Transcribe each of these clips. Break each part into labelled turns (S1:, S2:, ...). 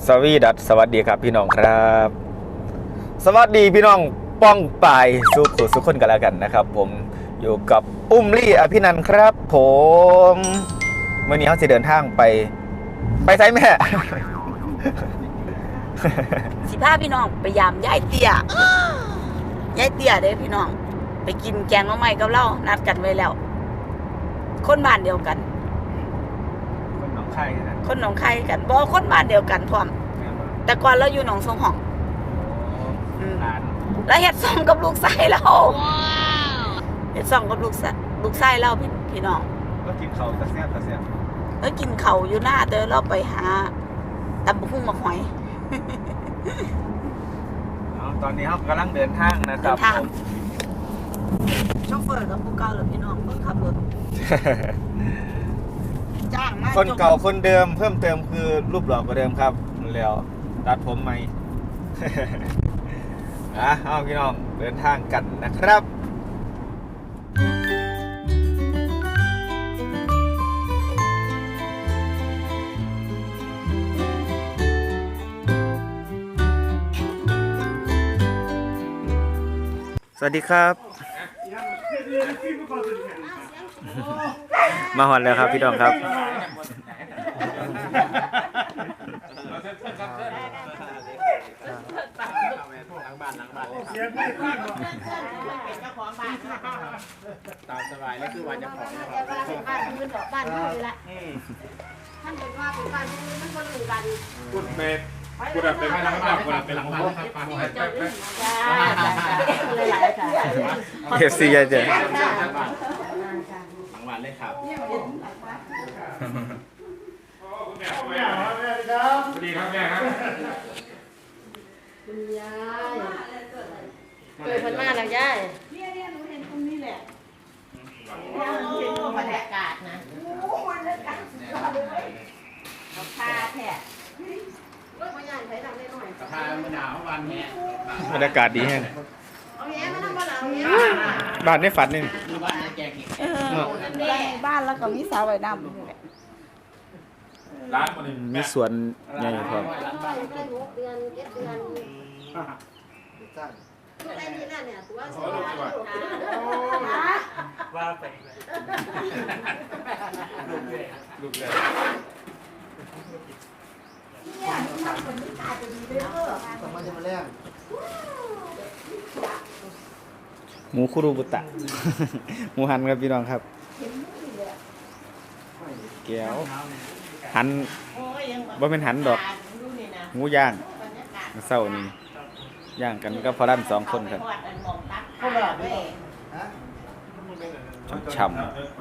S1: สวัสดีครับพี่น้องครับสวัสดีพี่น้องป้องปายสุขคนกันแล้วกันนะครับผมอยู่กับอุ้มลี่อภินันท์ครับผมเมื่อนี้เขาจะเดินทางไปไซแม่
S2: 15พี่น้องไปยามยายเตี้ยยายเตี้ยเด้พี่น้องไปกินแกงหน่อไม้กับเรานัดกันไว้แล้วคนบ้านเดียวกัน
S1: คนหนองคายนะ
S2: คนหนองคายกันบ่คนบ้านเดียวกันพร้อมแต่ก่อนเราอยู่หนองสงหองแล้วเฮ็ดซ่อมกับลูกชายเราเฮ็ดซ่อมกับลูกชายเราพี่น้อง
S1: ก็กินเขาตะเสียบ
S2: แล้วกินเขาอยู่หน้าเด้อเราไปหาตำบักหุ่งมาหอย
S1: ตอนนี้เขากำลังเดินทางนะครับ
S2: โชเฟอร์กับผู้เก่าหรือพี่น้องเพิ่งขับรถจ้างมา
S1: คนเก่าคนเดิมเพิ่มเติมคือรูปหล่อกว่าเดิมครับแล้วตัดผมใหม่ เอาพี่น้องเดินทางกันนะครับสวัสดีครับมาหอนแล้วครับพี่น้องครับ
S3: ตามสบายนี่คือวันจะของ
S4: บ้านพื้นดอกบ้านเขาเลยละท่านบอกว่าเป็นบ้านพื้นมันคนอยู่กัน
S3: พูดเป็นไม่รักมากพูดเป็นหลังบ้านครับไป
S1: เอฟซีเจ๊
S3: หลังบ้านเลยครับสวัสดีครับแม่ครับ
S4: คุณยายเกิดพันมาแล้วยายเนี่ยหนูเห็นตรงนี้แหละบรรยากาศนะบรรยากาศพาแท้รถพยานใช้ทำได้หน่อย
S3: พาเมื่อหนาววันนี้
S1: บรรยากาศดีแห้ง
S4: เอาแย่มาทำบ้านเราแย่
S1: บ้านในฝันนี่
S3: บ้านในแกง
S2: บ้านแล้วก็มีสาวไว้น้ำ
S3: ร้าน
S1: มีสวนใหญ่ครับ
S4: ได้6 เดือน7 เดือนอะไรนี่น่ะเนี่ยตัวสวย
S3: ว่าไปลูกเลย
S4: เนี่ยมันคนนี้ตาจะดีเลย
S5: สมัยจะมาแรง
S1: หมูคุรุบุตะ หมูหันครับพี่น้องครับแก้วหันว่าเป็นหันดอกหมูย่างเศร้านี่ย่างกันก็พอรั่น2 คนครับฉ่ำ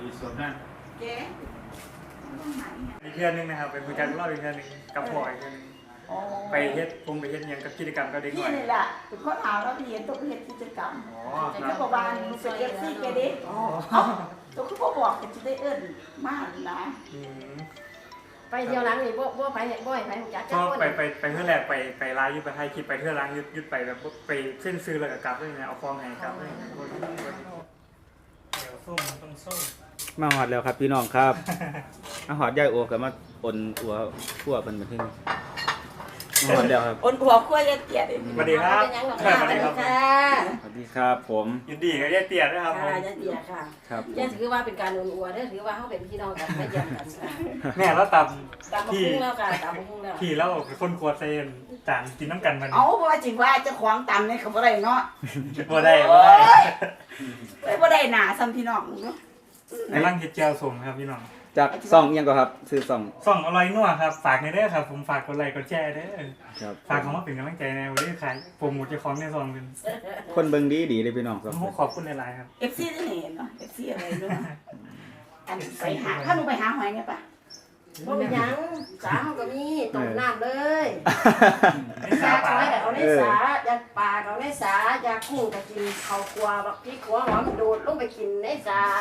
S6: อีกเทื่อนึงนะครับไปคุยกันรอบอีกเทื่อนึงกับพ่ออีกเทื่อนึงไปเฮ็ดไปเฮ็ดยังกับกิจกรรมกับเด็กหน่อย
S2: นี่แหละเป็นคนหาแล้วเรียนตัวเฮ็ดกิจกรรมจะบอกว่าเป็นเอฟซีแกดิตัวคือบอกกันจะได้เอิ้นมากนะ
S4: ไปเที่ยวหลังนี่บ่ไปจัก
S6: ก็ไปเทื่อแรกไปไลฟ์อยู่ไปถ่ายคลิปไปเทื่อหลังยุดไปแบบไปเส้นซื้อแล้วก็กลับด้วยนะเอาฟองให้กลับด้วยเดี๋ยวส้มต้องส้ม
S1: มาหอดแล้วครับพี่น้องครับมาหอดยายโอกับมาอ่นอัวขั้วเป็นแบบนี้มาหอดแล้วครับ
S2: อ่นอัวขั้วยายเตี้ยดิ
S6: สวัสดีครับ
S2: สวัสดีค่ะ
S1: สวัสดีครับผม
S6: ยินดีกับยายเตี้ยนะครับผม
S2: ยายเตี้ยค่ะ
S1: ครับ
S4: ยายถือว่าเป็นการอ่นอัวเด้อถือว่าเฮาเป็นพี่น้องกันไม่แยกกัน
S6: แม่แล้วต
S2: ำที่แล้วค่ะตำบักหุ่งแล้ว
S6: พี่แล้วคนครัวเซนจานกินน้ำกันมัน
S2: เอาว่าจริงว่าจะขวางตำเนี่ยเขาบ่ได้เนาะ
S6: บ่ได้
S2: บ่ได้หนาซ้ำพี่น้องเนาะ
S6: ในร่างเฮ็ดแจ่วส้มครับพี่น้อง
S1: จากซ่องยังก็ครับซื้อ
S6: ซ่องอร่อยนัวครับฝากในเด้อครับผมฝากกดไลค์กดแชร์เด้อ
S1: ครับ
S6: ฝากคำว่าเป็นกำลังใจในวันนี้ขายโปรโมทเจ้าของในซองเป็น
S1: คนเบิ่งดีเลยพี่น้องครับ
S6: ขอบคุณในไลน์ครับ
S2: FC จะเห็นเนาะ FC อะไรด้วยอันไปหาถ้ามึงไปหาหอยเนี่ยป่ะ
S4: บ่มีหยังสาเฮาก็มีต้มน้ำเลยสาช้อยก็เอาในสาอยากปลาก็เอาในสาอยากกุ้งก็กินข้าวคั่วบักพริกขัวหอมโดดลงไปกินในสา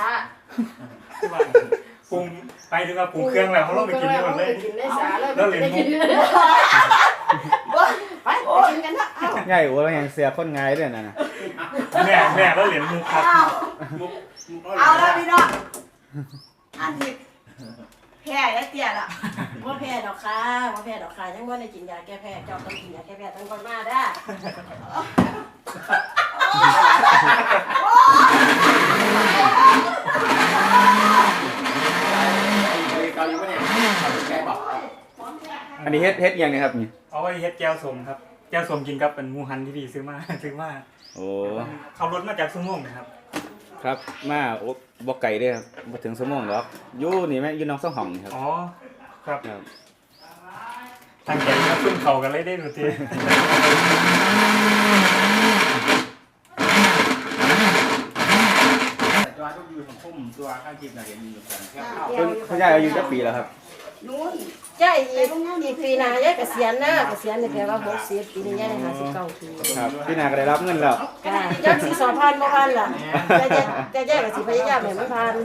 S6: ปรุงไปถึงกับปรุงเครื่องแล้วเขาลงไปกินด้วยเลย
S4: แล้วเหรียญมุกไปกินกันนะ
S1: ง่ายโอ้แล้วยังเสียคนง่ายด้วยนะ
S6: แม่แล้วเหรียญมุกครับ
S2: เอาแล้วพี่น้องอันนี้แพ้แล้วเตี้ยละ
S4: ว่าแพ้ดอกค่ะว่าแพ้ดอกค่ะยังว่าได้กินยาแก้แพ้เจ้าต้องกินยาแก้แพ้ตั้งก่อนมาได้
S1: อันนี้เฮ็ดยังนะครับนี่
S6: เอาไว้เฮ็ดแก้วสมครับแก้วสมกินกับเป็นหมูหันที่พี่ซื้อมา
S1: โอ้
S6: ขับรถมาจากสุโมงนะครับ
S1: ครับมาโอ้บ่ไกลเด้อครับบ่ถึงชั่วโมงหรอกอยู่นี่แม่อยู่น้องสองห้องนี่ครับ
S6: อ๋อครับ
S1: ครับ
S6: ตั้งใจมาขึ้นเขากันเลยได้ดูที
S3: ตัวทุกอยู่ของคุ้มตัวข้างจีบน่ะเห็นอยู่กันแค่เข้า
S1: คุณยายอายุจักปีแล้วครับ
S2: นู้น
S4: ใช่อีกปีหน้ายายเกษียณนะเกษียณนี่แปลว่า60ปีนี้ยาย59ปี
S1: ครับพี่นาก็ได้รับเงินแล้ว
S4: ค่ะจักสิสอบผ่านบ่ผ่านล่ะแต่ยายก็สิพยายามให้มันผ่าน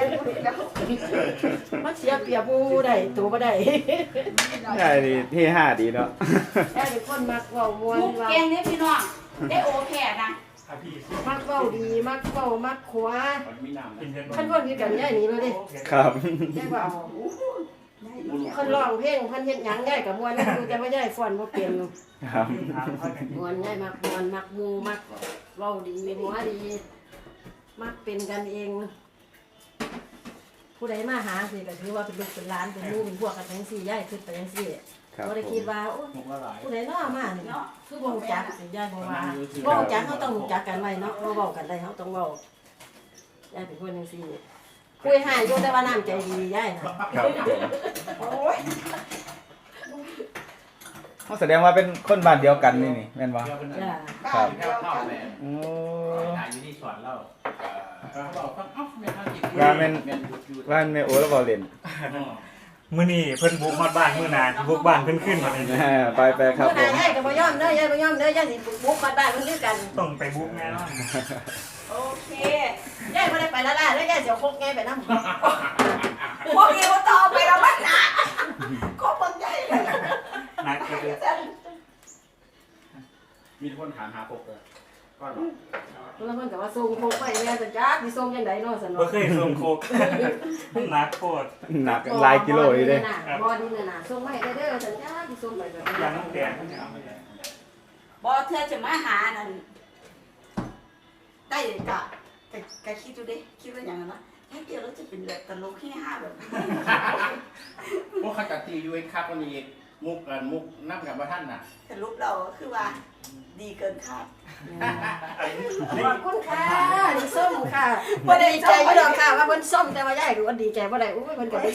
S4: มันเสียเปรียบหมู่ได้ตัวบ่ได้
S1: ยายนี่ที่5ดีเนาะ
S4: ยายเป็นคนมักเว้าม่วน
S2: มุก
S4: ว่า
S2: แกงเนี่ยพี่น้องได้โอแค่นะ
S6: พี่
S4: มักเว้าดีมักเว้ามักขวา
S3: มีน้ำ
S6: กินเย็น
S4: คันคนคือกันยายหนีเลยเด้
S1: ครับ
S4: ยายว่าเอาคนร้องเพลงเพิ่นเฮ็ดหยังยายก็ม่วนอยู่แต่ว่ายายฟ้อนบ่เป็น
S1: ครับ
S4: ม่วนยายมักม่วนมักหมู่มักเว้าดีหัวดี มักเป็นกันเอง ผู้ใดมาหาสิก็ถือว่าเป็นลูกเป็นหลานเป็นหมู่เป็นพวกกันจังซี่ยายคิดไปจังซี่
S1: ครับ
S4: บ่ได้คิดว่าโอ้
S3: มุกละหลาย
S4: ผู้ใดน้อมานี่เนาะคือบ่รู้จักสิยายบ่ว่าบ่รู้จักเฮาต้องรู้จักกันไว้เนาะบ่เว้ากันได้เฮาต้องเว้ายายเป็นคนจังซี่คุยหายอยู่แต่ว่าน้ำใจดียายน่ะ
S1: ครับผม
S2: โอ้ย
S1: เขาแสดงว่าเป็นคนบ้านเดียวกันนี่แม่นบ่
S4: จ้า
S1: ครับ
S3: แค่เข้าแม่
S1: โอ้
S3: ถ่ายอยู่ที่สวนเราบอกว่าเอ้าแม่ข้างจีบ
S1: ว่าแม่นแม่โอแล้วบ่เล่น
S6: มื้อนี้เพิ่นบุกฮอดบ้านมื้อหน้าบุกบ้านเพิ่นขึ้นมาเลย
S1: ไปครับ
S4: เมื่อ
S1: ผ
S4: ไหร่
S1: ม
S4: ยายก็บ่ยอมเด้อยายบ่ยอมเด้อยายสิบุกมาบ้านมันคือกัน
S6: ต้องไปบุกแน่นอน
S2: โอเค
S4: ยายบ่ได้ไปละล่ะแล้วยายสิเอาคกไงไปนำ
S2: พวกนี้ว่าต่อไปแล้วมันนะก็เบิ่งใหญ่เลย
S6: นักก็เลย
S3: มีคนถามหาปกเลยก็
S4: แล้วมันก็ว่าส่งคกไปแม่จะจักสิส่งจังไดเนาะซั่น
S6: บ่
S4: เนาะ
S6: เคยส่งโคกนักโคตร
S1: หนักหลายกิโลอยู่เด้
S4: บ่ดีน่ะน่ะส่งมาให้เด้อซั่นจักสิส่งไปแบบ
S6: ยัง
S4: นี้
S6: แดง
S2: บอเธอจะมาหานั่นได้กะคิดดูดิคิดว่าอย่างนั้นนะถ้าเกี่ยวแล้วจะเป็นแบบตลกที่ห้าแบบ
S3: พวกขจัดตียูเอ็นครับวันนี้มุกนั่งกับว่าท่านน่ะ
S2: แต่รูปเราคือว่าดีเกินคาด
S4: ขอบคุณค่ะดีส้มค่ะบ่ได้ใจอยู่ดอกค่ะว่าเพิ่นส้มแต่ว่ายายก็ว่าดีใจบ่ได้อุ้ยเพิ่นก็ดี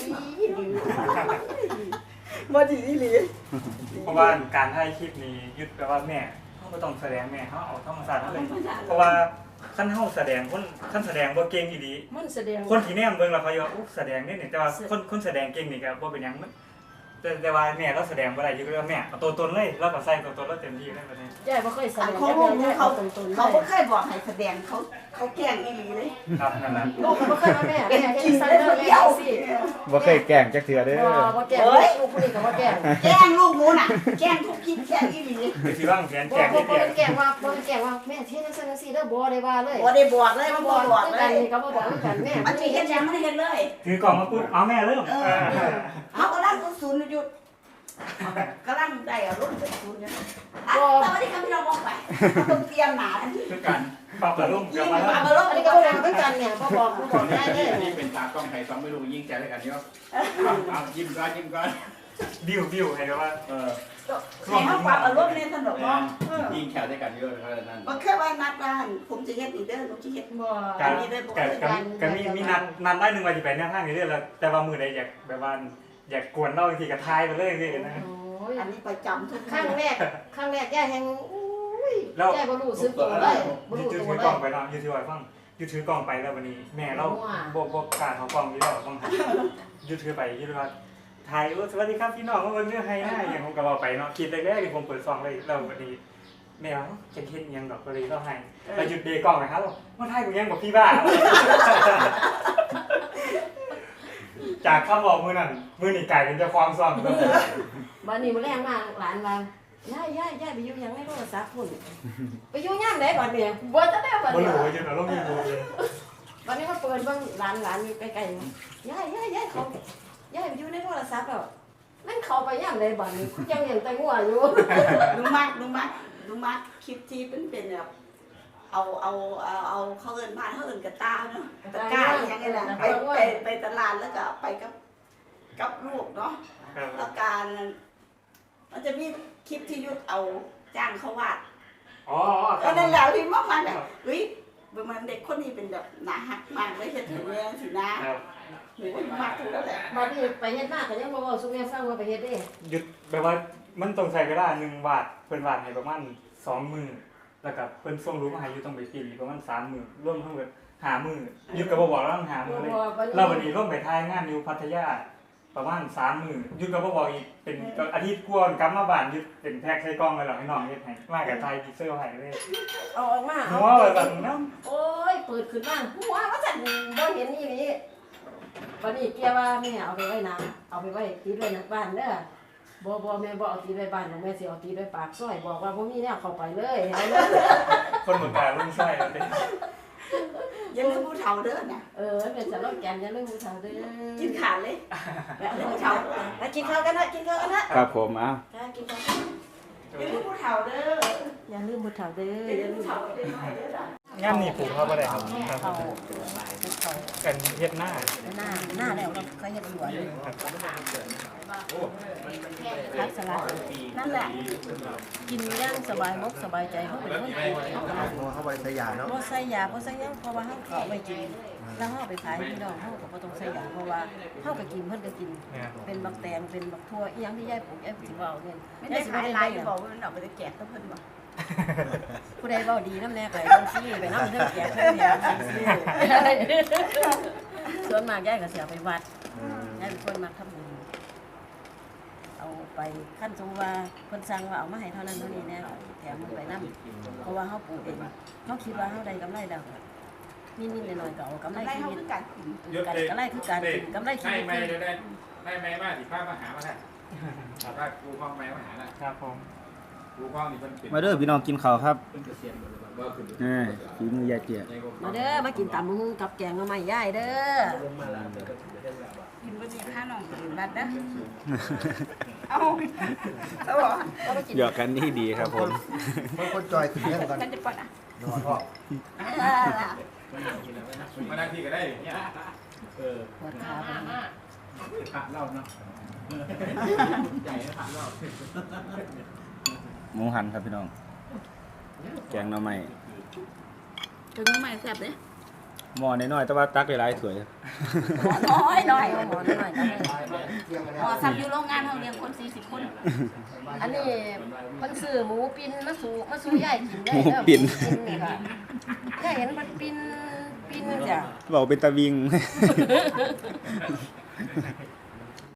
S4: บ่ดีอีหลี
S6: เพราะว่าการถ่ายคลิปนี้ยึดแปลว่าแม่เขาก็ต้องแสดงแม่เขาเอาธรรมชาติเลยเพราะว่าขั้นเฮาแสดงคนแสดงบ่เก่งอีหลี
S4: มันแสดง
S6: คนที่แนมเบิ่งแล้วเขาว่าอุ๊แสดงนี่แต่ว่าคนแสดงเก่งนี่ก็บ่เป็นหยังแต่ว่าแม่เราแสดงบ่ได้อยู่ก็แม่เอาตัวตนเลยเราก็ใส่ตัวตนเราเต็มที่เลยบัดนี้
S4: ยายบ่เคยแสดง
S2: เขา
S4: เขาตรงๆ
S2: เขาไม่เคยบอกให้แสดงเขาแกล้งอีหลีเลย
S6: ครับนั่นน่ะ
S4: ลูกก็บ่เคยมาแม่
S2: เป็น
S4: แม่
S2: จ
S4: เฮ็
S2: ริ
S4: ด
S2: ง
S4: ซัน
S2: เลย
S4: เดอ
S2: ค
S4: ร์
S2: น
S4: เลย
S2: เดียว
S4: สิ
S1: บ่เคยแกล้งจักเทื่อเด้อ
S4: บ่แก่ลูกผู้นี้ก็บ่แก่
S2: แกล้งลูกหมูน่ะแกล้งทุกคิดแกล้งอีหลี
S6: คือสิวางแผน
S4: บ่
S6: แจก
S4: บ่
S6: นี่เดียว
S4: แก่ว่าบ่แก่ว่าแม่เฮ็ดจังซั่นจังซี่เด้อบ่ได้ว่าเลย
S2: บ่ได้บอกเลยมันบ่บอก
S4: คือ
S2: เล
S4: กัน
S2: ย
S4: นี่ก็บ่บอกคือกันแม่
S2: มันจะเห็นยังไม่ได้เห็นเลย
S6: ถือกล่องมาปุ๊บเอาแม่เริ่ม
S2: เขากำลังศูนย์หยุดกำลังได้อารมณ์เป็นศูนย์เนี่ยตอนนี้เขาไม่ยอมบอกไปต้องเตรียมหนาทันที
S3: คือกัน
S6: ปรับอารมณ์กลับมาแล้ว
S2: อารมณ์
S4: อัน
S2: นี่
S4: นี้
S2: ก็
S4: ก็
S2: ไม่
S4: บ่
S2: ได้
S4: บอกคือกันเนี่ยบ่บอกได้เลย
S3: นี่เป็นตากล้องไทย2ไม่รู้ยิ่งใจด้วยกันเยอะเอายิ้มก่อน
S6: บิวให้แบบว่า
S2: ให้เขาปรับอารมณ์ในถนนเนาะ
S3: ยิ่งแขวด้วยกันเยอะเพราะฉะนั้น
S2: มันแค่ว่านัดบ้านผมจะเฮ็ดอีเด้อผมจะเฮ็ด
S4: บ่
S6: ก็มีนัดได้นึงว่าสิไปแนวทางนี้เรื่อยแล้วแต่ว่ามื้อใดอยากแบบว่าอยากกวนเราทีก็ทายไปเลยสินะ
S4: โอ้ย
S2: อันนี้ประจำทุก
S4: ครั้งแรกย่าแฮงอุ้ยย่าบ่รู้สึกตัวเลยบ่รู้
S6: ยืด
S4: ตัว
S6: ถือ
S4: เล
S6: กล่อย งไปเนาะยืดถือไว้ฟังยืดถือกล่องไปแล้ววันนี้แม่เราบ่กล้าเขากล่องนี้แล้วต้องยืดถือไปยืดว่าไทยสวัสดีครับพี่น้องว่าวันนี้ให้หน้าอย่างผมก็บอกไปเนาะคิดแรกๆที่ผมเปิดซองเลยแล้ววันนี้แม่ว่าจะเฮ็ดยังดอกก็เลยก็ให้แล้วหยุดเดกล่องนะครับว่าไทยกูยังบอกพี่บ้าจากคำบอกมือนั่นมือนี่ไก่เป็นเจ้าความซ่อม
S4: บัดนี้มื้อแรงมาหลานว่าย่าไปอยู่หยังในโทรศัพท์พุ่นไปอยู่ยามใดบัดนี้บ่จะได้บัด
S6: บ่
S4: นี้
S6: รู้ว่าจะเอาลงมีบ่เลย
S4: บัดนี้มาเปิดเบิ่งหลานอยู่ใกล้ๆย่าเขาย่าไปอยู่ในโทรศัพท์แล้วนั่นเขาไปย่ำเลยบ่นี่ยังเห็นแต่งัวอยู่
S2: ลุงมากคลิปที่เป็นแบบเอาเขาเอินบ้านเขาเอินกระตาเนาะตะกร้าอย่างเงี้ยแหละไปตลาดแล้วก็ไปกับลูกเนาะ
S6: ครับ
S2: แล้วการมันจะมีคลิปที่ยุดเอาจ้างเขาวาด
S6: อ๋อ
S2: ก็นั่นแหละที่มากมันแบบเฮ้ยมันเด็กคนนี้เป็นแบบหนาหักมากเลยเห็นถึงเรื่องสินะครับ หนูมากถูกแล้วแหละ
S4: บัดนี้ไปเฮ็ดหน้าก็ยังบ่เว้าสุแม่ฟังว่าไปเฮ็ดเด้
S6: หยุดแบบว่ามันต้องใช้เวลา1 วาดเพิ่นวาดให้ประมาณ2 มื้อแล้วก็เพิ่นส่งรูปมาให้อยู่ต้องไปพิมพ์อีกประมาณ3 มื้อรวมทั้งหมด5 มื้อหยุดก็บ่บอกแล้วต้อง5 มื้อเลยแล้ววันนี้ร่วมไปถ่ายงานอยู่พัทยาประมาณ3 มื้อหยุดก็บ่บอกอีกเป็นอาทิตย์กว่ากลับมาบ้านหยุดเป็นแพ็คใส่กล่องไว้แล้วให้น้องเฮ็ดให้มากับถ่ายพิกเซลให้เลย
S4: เอาออกมา
S6: หัวว่าซั่นเนาะ
S4: โอ้ยเปิดขึ้นมาหัวว่าซั่นบ่เห็นอีหลีบัดนี้เกียว่าแม่เอาไปไว้นะเอาไปไว้ติดไว้ในบ้านเด้อบ่แม่บ่เอาติดไว้บ้านของแม่สิเอาติดไว้ปากซอยบอกว่าบ่มีแนวเข้าไปเลยเอาเลย
S6: คนบ่กล้าลงใส่เลย
S2: อยังลืมผู้เฒ่าเด้อเนี่ย
S4: เป็นสโลแกนอย่าลืมผู้เฒ่าเด้อ
S2: กินขาดเลยแบบผู้เฒ่า
S4: มากินข้าวกันนะครับ
S1: ผมอ่ะ
S4: จ้ากินข้าว
S2: อยังลืมผู้เฒ่าเด้อ
S4: อย่าลืมผู้เฒ่าเด้อ
S2: อ
S4: อย่
S2: ยั
S4: ย่าง
S2: ลื
S4: ลื
S2: ม
S4: ม
S2: ผู้เฒ่าเด้อเด้อ
S6: งามนี่ปลูกเขาบ่ได้ครับ
S4: เขา
S6: กันเฮ็ดหน้า
S4: หน้าแล้วเราเคยเห็นสวนพักสลัด
S2: นั่นแหละ
S4: กินย่างสบายมกสบายใจเขาเป็นคนกิน
S5: เขาบริษัทยาเนาะ
S4: บ่ใส่ยาบ่ใส่หยังเพราะว่าเฮาเขาไปกินแล้วเฮาไปขายพี่น้องเฮาก็บ่ต้องใส่ยาเพราะว่าเฮาก็กินเพิ่นก็กิน เป็นบักแตงเป็นบักทั่วอีหยังที่ยายปลูกยายสิเว้าเนี่ย
S2: ไม่ได้ขายหลายบอกว่ามันออกไปแจกกับเพิ่นบ่
S4: ผู้ใดเว้าดีนำแน่ก็ให้เพิ่นซื้อไปนำเด้อแจกเพิ่นเนี่ยซื้อส่วนมากยายก็สิเอาไปวัดยายเป็นคนมักทำบุญเอาไปขั้นสมมุติว่าเพิ่นสั่งว่าเอามาให้เท่านั้นเท่านี้แน่แถมมันไปนำเพราะว่าเฮาปลูกเองเฮาคิดว่าเฮาได้กำไรแล้วนิดๆหน่อยๆก็เอากำไร
S2: ได้
S4: ชี
S2: เฮา
S4: วิต
S2: คือกัน
S4: กำไรคือการกินกำไรชีวิต
S3: ไม่ได้มาสิพามาหามาได้ถามว่ากูห้องแม่มาหาน่ะ
S6: ครับผม
S3: กูห้องนี่เพิ่นเป็น
S1: มาเด้อพี่น้องกินข้าวครับ
S3: เพิ่นเกษียณหมดเลยบ่ขึ้น
S1: ฝีมือยายเจีย
S4: มาเด้อมากินตำบักหุ่งกับแกงมาใหม่ย่ายเด้อ
S2: กินบ่ดีค่าน้องกินบัดเด้อเอาสวัสดี
S4: ก็มากิน
S1: หยอกกันนี่ดีครับผม
S5: คนจอยขึ้นเรื่องกัน
S2: ฉันจะปอนอ่ะ
S5: นอนพ่อ
S3: มาได้ที่ก็ได้เนี่ย
S4: ปวดขาบ่
S3: ผักเหล้าเนาะใหญ่ผักเหล้า
S1: หมูหันครับพี่น้อง แกงหน่อไม้
S2: ถึงใหม่แซ่บเด้
S1: หม้อน้อยๆแต่ว่าตักหลายๆถ้วย
S2: น้อยหน่อย
S4: เอาหมอนหน่อยก็ได้
S2: หมอสับอยู่โรงงานเฮาเลี้ยงคน40คน
S4: อันนี้เพิ่นซื้อหมูปิ้นมาสู่ย่ายกินได้
S1: หมู
S4: เด้อ
S1: ปิ้น
S4: นี่ค่ะย่ายเห็นมันปิ้นจ้ะ
S1: บอกเป็นตะวิง